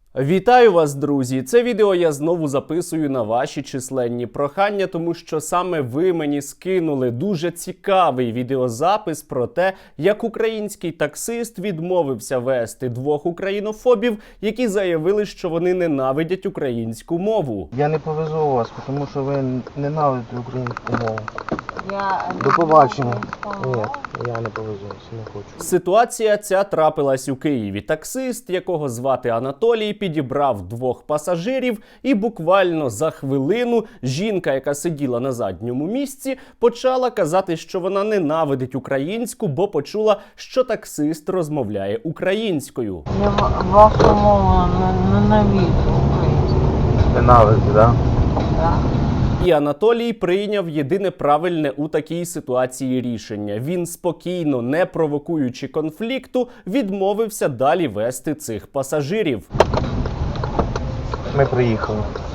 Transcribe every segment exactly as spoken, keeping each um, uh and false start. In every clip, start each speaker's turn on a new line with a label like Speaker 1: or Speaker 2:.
Speaker 1: Вітаю вас, друзі! Це відео я знову записую на ваші численні прохання, тому що саме ви мені скинули дуже цікавий відеозапис про те, як український таксист відмовився вести двох українофобів, які заявили, що вони ненавидять українську мову.
Speaker 2: Я не повезу вас, тому що ви ненавидите українську мову.
Speaker 3: Я
Speaker 2: До побачення. Ні, я не повезу, не хочу.
Speaker 1: Ситуація ця трапилась у Києві. Таксист, якого звати Анатолій, підібрав двох пасажирів, і буквально за хвилину жінка, яка сиділа на задньому місці, почала казати, що вона ненавидить українську, бо почула, що таксист розмовляє українською.
Speaker 3: Я вашу мову ненавиджу українську.
Speaker 2: Ненавидите, так?
Speaker 3: Да.
Speaker 1: І Анатолій прийняв єдине правильне у такій ситуації рішення. Він спокійно, не провокуючи конфлікту, відмовився далі вести цих пасажирів.
Speaker 2: Ми приїхали.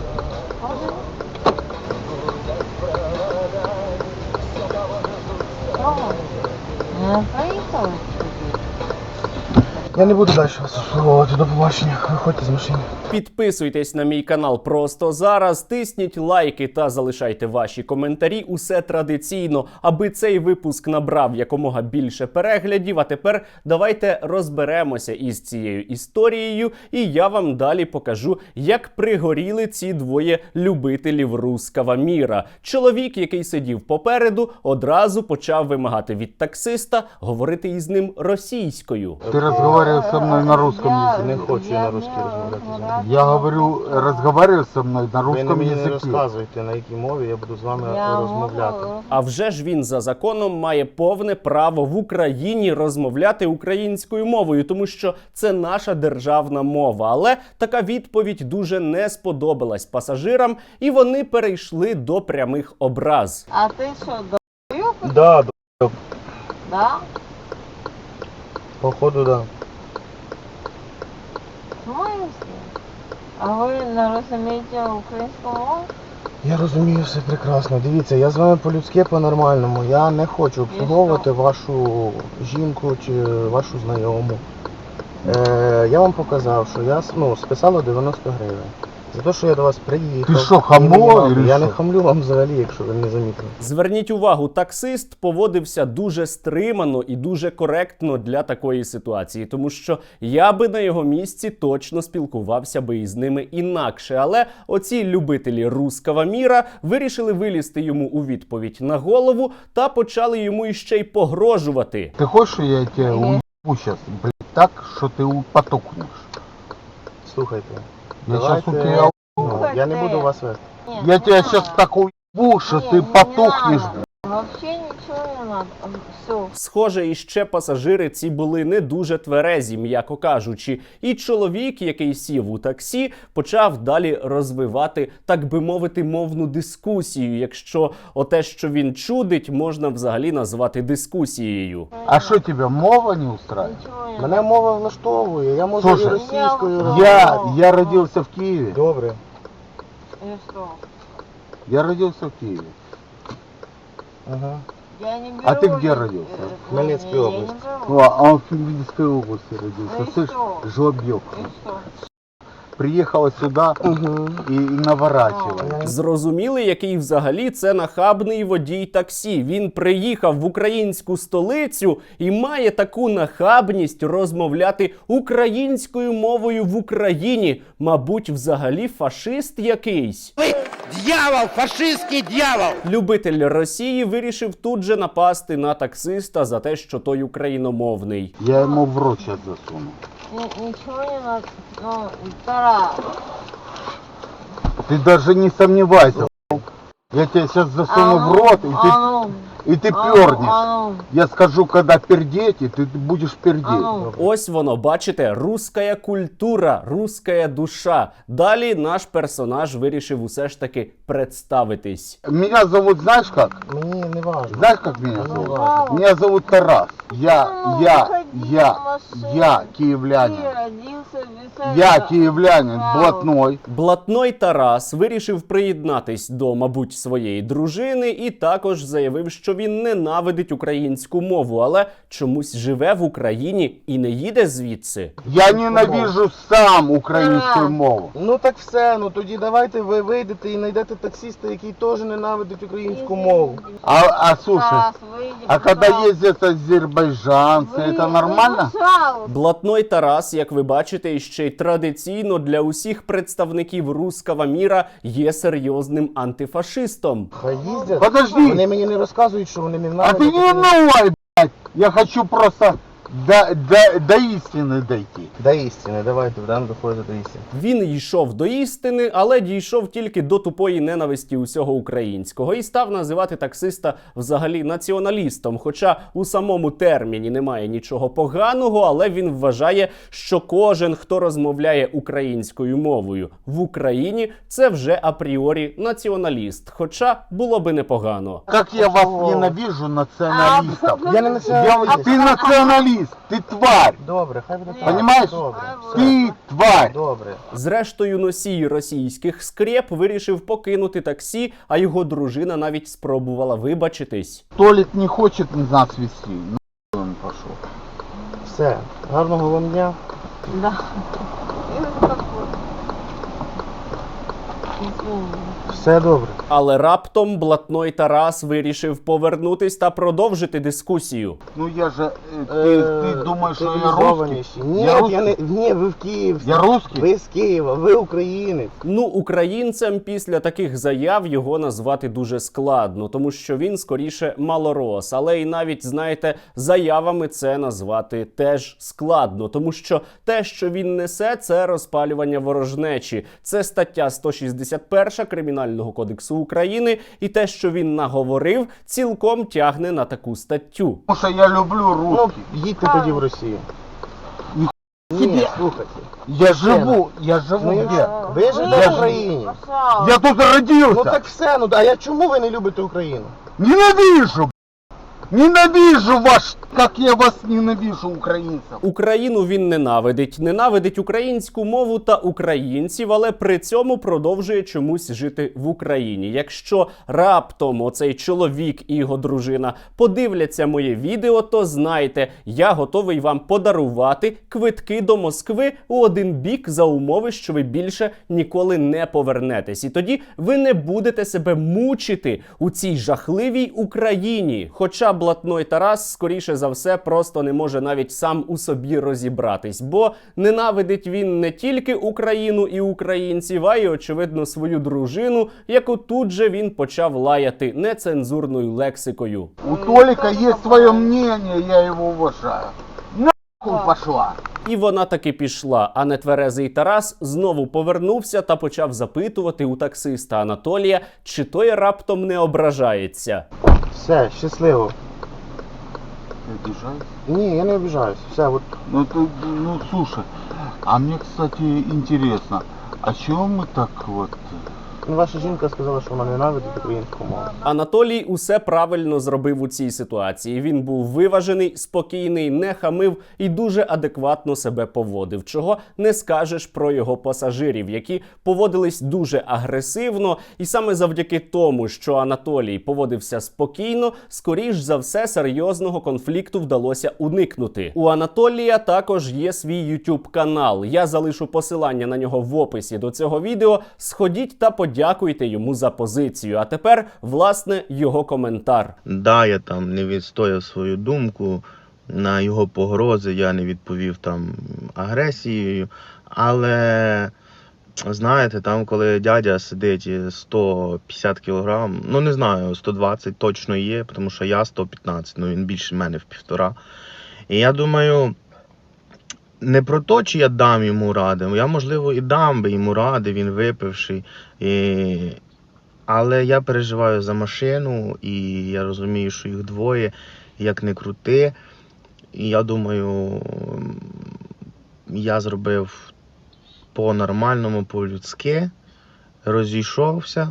Speaker 3: Не приїхали?
Speaker 2: Я не буду далі вас обслуговувати. До побачення. Виходьте з машини.
Speaker 1: Підписуйтесь на мій канал просто зараз, тисніть лайки та залишайте ваші коментарі. Усе традиційно, аби цей випуск набрав якомога більше переглядів. А тепер давайте розберемося із цією історією, і я вам далі покажу, як пригоріли ці двоє любителів русского міра. Чоловік, який сидів попереду, одразу почав вимагати від таксиста говорити із ним російською.
Speaker 4: Ты разговариваешь со мной на русском языке.
Speaker 2: Не хочу я на русській розмовляти.
Speaker 4: Я говорю, разговариваешь со мной на
Speaker 2: Ви не
Speaker 4: русском
Speaker 2: мені не
Speaker 4: языке.
Speaker 2: розказуєте, на якій мові я буду з вами
Speaker 3: Я
Speaker 2: розмовляти.
Speaker 3: можу.
Speaker 1: А вже ж він за законом має повне право в Україні розмовляти українською мовою, тому що це наша державна мова. Але така відповідь дуже не сподобалась пасажирам, і вони перейшли до прямих образ.
Speaker 3: А ти що, долбоёб?
Speaker 2: Да, д-
Speaker 3: Да?
Speaker 2: походу, да.
Speaker 3: В смысле? А ви не розумієте українську мову?
Speaker 2: Я розумію все прекрасно. Дивіться, я з вами по-людськи, по-нормальному. Я не хочу обслуговувати вашу жінку чи вашу знайому. Е, я вам показав, що я ну, списала дев'яносто гривень. За те, що я до вас приїхав.
Speaker 4: Ти що,
Speaker 2: і
Speaker 4: хамло,
Speaker 2: мені мав-
Speaker 4: или
Speaker 2: Я
Speaker 4: що?
Speaker 2: не хамлю вам взагалі, якщо ви не замітили.
Speaker 1: Зверніть увагу, таксист поводився дуже стримано і дуже коректно для такої ситуації, тому що я би на його місці точно спілкувався би із ними інакше. Але оці любителі русского міра вирішили вилізти йому у відповідь на голову та почали йому іще й погрожувати.
Speaker 4: Ты хочешь, что я тебя уебу сейчас, блядь, так, что ты у- потухнешь?
Speaker 2: Слухайте.
Speaker 4: Я
Speaker 2: давайте-
Speaker 4: сейчас у тебя,
Speaker 2: Ну, я не буду вас вести.
Speaker 3: Ні,
Speaker 4: я
Speaker 3: не
Speaker 4: тебя
Speaker 3: надо.
Speaker 4: сейчас так уебу, что
Speaker 3: Ні,
Speaker 4: ты
Speaker 3: не
Speaker 4: потухнешь,
Speaker 3: надо. Вообще нічого не надо. Все.
Speaker 1: Схоже, іще пасажири ці були не дуже тверезі, м'яко кажучи. І чоловік, який сів у таксі, почав далі розвивати, так би мовити, мовну дискусію, якщо оте, що він чудить, можна взагалі назвати дискусією.
Speaker 4: А что тебя мова не устраивает?
Speaker 3: Нічого не
Speaker 2: Мене
Speaker 3: надо.
Speaker 2: мова влаштовує, я можу
Speaker 4: Слушай,
Speaker 2: і російською
Speaker 3: я-
Speaker 2: розмовляти.
Speaker 4: Я, я родился в Киеве,
Speaker 2: Добре.
Speaker 3: І що?
Speaker 4: я родился в Киеве.
Speaker 2: Ага.
Speaker 3: Я не беру...
Speaker 4: А ты где
Speaker 3: ни-
Speaker 4: родился?
Speaker 3: э,
Speaker 2: В Хмельницкой
Speaker 3: я не
Speaker 2: области.
Speaker 3: беру.
Speaker 4: Ну, а он в Киевской области родился,
Speaker 3: Ну и
Speaker 4: слышь,
Speaker 3: что?
Speaker 4: жлобёк.
Speaker 3: И что?
Speaker 4: Приехала сюда
Speaker 2: Угу.
Speaker 4: и, и наворачивает.
Speaker 1: Зрозуміли, який взагалі це нахабний водій таксі. Він приїхав в українську столицю і має таку нахабність розмовляти українською мовою в Україні. Мабуть, взагалі фашист якийсь.
Speaker 5: Дьявол, фашистский дьявол!
Speaker 1: Любитель Росії вирішив тут же напасти на таксиста за те, що той україномовний.
Speaker 4: Я ему в рот сейчас засуну.
Speaker 3: Ни- Ничего не надо. Ну, Тарас.
Speaker 4: Ты даже не сомневайся. Я тебя сейчас засуну
Speaker 3: А
Speaker 4: в
Speaker 3: ну,
Speaker 4: рот, и ты,
Speaker 3: а ну,
Speaker 4: и ты
Speaker 3: а ну,
Speaker 4: пернешь.
Speaker 3: а ну,
Speaker 4: Я скажу, когда пердеть, и ты будешь пердеть.
Speaker 3: а ну.
Speaker 1: Ось воно, бачите, русская культура, русская душа. Далі наш персонаж вирішив усе ж таки представитись.
Speaker 4: Меня зовут, знаешь как?
Speaker 2: Мені не важно.
Speaker 4: Знаешь, как меня
Speaker 2: Ну,
Speaker 4: зовут?
Speaker 3: ладно.
Speaker 4: Меня зовут Тарас. Я,
Speaker 3: Ну,
Speaker 4: я,
Speaker 3: выходи
Speaker 4: я,
Speaker 3: на машину.
Speaker 4: я
Speaker 3: Ты
Speaker 4: киевлянин.
Speaker 3: родился без
Speaker 4: Я
Speaker 3: этого.
Speaker 4: киевлянин,
Speaker 3: Вау.
Speaker 4: блатной.
Speaker 1: Блатной Тарас вирішив приєднатись до, мабуть, своєї дружини і також заявив, що що він ненавидить українську мову, але чомусь живе в Україні і не їде звідси.
Speaker 4: Я ненавижу сам українську мову.
Speaker 2: Ну так все, ну тоді давайте ви вийдете і знайдете таксиста, який теж ненавидить українську мову.
Speaker 4: А, а слушай,
Speaker 3: Стас, выйди,
Speaker 4: а когда
Speaker 3: пожалуйста.
Speaker 4: ездят азербайджанцы,
Speaker 3: Вы-
Speaker 4: это
Speaker 3: вы,
Speaker 4: нормально?
Speaker 3: пожалуйста.
Speaker 1: Блатной Тарас, як ви бачите, іще й традиційно для усіх представників руского міра є серйозним антифашистом.
Speaker 2: Хай їздять.
Speaker 4: Подожди.
Speaker 2: Вони мені не розказують, що вони не
Speaker 4: А
Speaker 2: ненавидять.
Speaker 4: ты не унывай, блядь. Я хочу просто до, до, до истины дойти.
Speaker 2: До істини, давайте, будемо доходити до істини.
Speaker 1: Він йшов до істини, але дійшов тільки до тупої ненависті усього українського і став називати таксиста взагалі націоналістом. Хоча у самому терміні немає нічого поганого, але він вважає, що кожен, хто розмовляє українською мовою в Україні, це вже апріорі націоналіст. Хоча було би непогано.
Speaker 4: Как я вас ненавижу, националистов.
Speaker 2: Я не
Speaker 4: Я,
Speaker 2: націоналіст.
Speaker 4: ты националист, ты тварь.
Speaker 2: Добре, хай буде так.
Speaker 4: Понимаешь?
Speaker 2: Добре,
Speaker 4: Ты тварь.
Speaker 2: добре.
Speaker 1: Зрештою, носій російських скреп вирішив покинути таксі, а його дружина навіть спробувала вибачитись.
Speaker 4: Толик не хочет нас вести. Нахуй он пошел.
Speaker 2: Все, гарного вам дня.
Speaker 3: Да. И успокойся. Извини.
Speaker 2: Все добре.
Speaker 1: Але раптом блатной Тарас вирішив повернутись та продовжити дискусію.
Speaker 4: Ну я же, э, ты, ты думаешь, что я русский?
Speaker 2: Цивілізованіші. Ні,
Speaker 4: Я
Speaker 2: я,
Speaker 4: русский?
Speaker 2: не, ні, ви в Київ.
Speaker 4: Я русский?
Speaker 2: Ви з Києва, ви українець.
Speaker 1: Ну, українцем після таких заяв його назвати дуже складно, тому що він скоріше малорос. Але і навіть, знаєте, заявами це назвати теж складно, тому що те, що він несе, це розпалювання ворожнечі. Це стаття сто шістдесят перша Кримінального кодексу України, і те, що він наговорив, цілком тягне на таку статтю.
Speaker 4: Потому что я люблю
Speaker 2: Ну,
Speaker 4: русский.
Speaker 2: їдьте тоді в Росію.
Speaker 4: Ні,
Speaker 2: Ні,
Speaker 4: собі.
Speaker 2: слухайте.
Speaker 4: Я живу, я живу
Speaker 2: Ну,
Speaker 4: где?
Speaker 2: я- Ви живете
Speaker 4: Я
Speaker 2: в
Speaker 4: ж-
Speaker 2: Україні.
Speaker 3: Пожалуйста.
Speaker 4: Я тут родился.
Speaker 2: Ну так все, ну а я чому ви не любите Україну?
Speaker 4: Ненавижу, б***ь. Ненавижу ваш, как я вас ненавижу, украинцев.
Speaker 1: Україну він ненавидить, ненавидить українську мову та українців, але при цьому продовжує чомусь жити в Україні. Якщо раптом оцей чоловік і його дружина подивляться моє відео, то знайте, я готовий вам подарувати квитки до Москви у один бік за умови, що ви більше ніколи не повернетесь. І тоді ви не будете себе мучити у цій жахливій Україні. Хоча блатной Тарас, скоріше за все, просто не може навіть сам у собі розібратись, бо ненавидить він не тільки Україну і українців, а й, очевидно, свою дружину, яку тут же він почав лаяти нецензурною лексикою.
Speaker 4: У Толика есть свое мнение, я его уважаю. Нахуй пошла.
Speaker 1: І вона таки пішла, а нетверезий Тарас знову повернувся та почав запитувати у таксиста Анатолія, чи той раптом не ображається.
Speaker 2: Все, щасливо.
Speaker 4: Ты обижаешься?
Speaker 2: Ні, я не обіжаюсь. Все, от
Speaker 4: Ну, ты, ну, слушай, а мне, кстати, интересно, а чего мы так вот...
Speaker 2: ну, ваша жінка сказала, що вона ненавидить українську мову.
Speaker 1: Анатолій усе правильно зробив у цій ситуації. Він був виважений, спокійний, не хамив і дуже адекватно себе поводив. Чого не скажеш про його пасажирів, які поводились дуже агресивно. І саме завдяки тому, що Анатолій поводився спокійно, скоріш за все серйозного конфлікту вдалося уникнути. У Анатолія також є свій YouTube канал. Я залишу посилання на нього в описі до цього відео. Сходіть та подивіться. Дякуйте йому за позицію. А тепер, власне, його коментар.
Speaker 6: Да, я там не відстояв свою думку, на його погрози я не відповів там агресією, але, знаєте, там коли дядя сидить сто п'ятдесят кілограм, ну не знаю, сто двадцять точно є, тому що я сто п'ятнадцять, ну він більше мене в півтора. І я думаю, не про те, чи я дам йому ради, я, можливо, і дам би йому ради, він випивший, і... але я переживаю за машину, і я розумію, що їх двоє, як не крути, і я думаю, я зробив по-нормальному, по-людськи, розійшовся,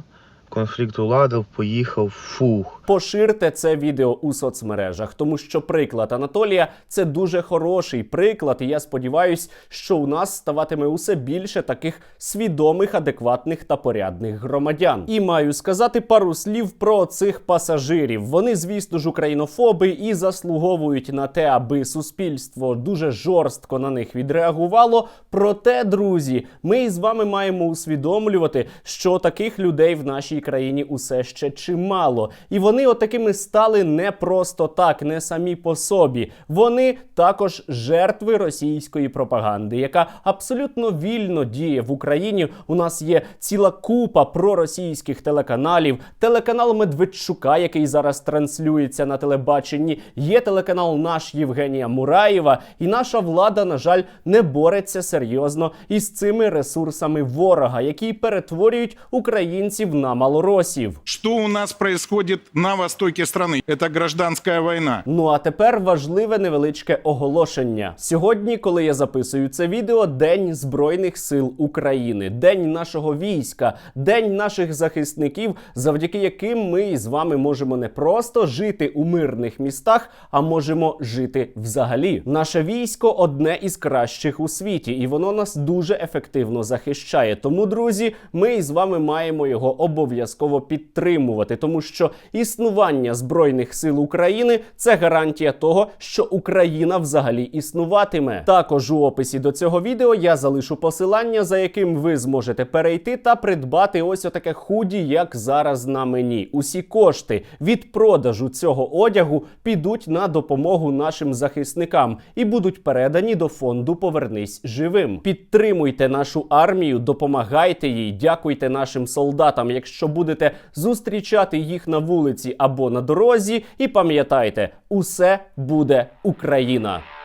Speaker 6: конфлікт уладив, поїхав, фух.
Speaker 1: Поширте це відео у соцмережах, тому що приклад Анатолія – це дуже хороший приклад, і я сподіваюся, що у нас ставатиме усе більше таких свідомих, адекватних та порядних громадян. І маю сказати пару слів про цих пасажирів. Вони, звісно ж, українофоби і заслуговують на те, аби суспільство дуже жорстко на них відреагувало. Проте, друзі, ми з вами маємо усвідомлювати, що таких людей в нашій країні усе ще чимало. І вони отакими стали не просто так, не самі по собі. Вони також жертви російської пропаганди, яка абсолютно вільно діє в Україні. У нас є ціла купа проросійських телеканалів. Телеканал Медведчука, який зараз транслюється на телебаченні. Є телеканал наш Євгенія Мураєва. І наша влада, на жаль, не бореться серйозно із цими ресурсами ворога, які перетворюють українців на малоросів.
Speaker 7: Что у нас происходит на востоке страны? Это гражданская война.
Speaker 1: Ну а тепер важливе невеличке оголошення. Сьогодні, коли я записую це відео, День Збройних сил України, День нашого війська, День наших захисників, завдяки яким ми з вами можемо не просто жити у мирних містах, а можемо жити взагалі. Наше військо одне із кращих у світі, і воно нас дуже ефективно захищає. Тому, друзі, ми з вами маємо його обов'язково підтримувати, тому що існування Збройних сил України – це гарантія того, що Україна взагалі існуватиме. Також у описі до цього відео я залишу посилання, за яким ви зможете перейти та придбати ось отаке худі, як зараз на мені. Усі кошти від продажу цього одягу підуть на допомогу нашим захисникам і будуть передані до фонду «Повернись живим». Підтримуйте нашу армію, допомагайте їй, дякуйте нашим солдатам, якщо будете зустрічати їх на вулиці або на дорозі. І пам'ятайте, усе буде Україна!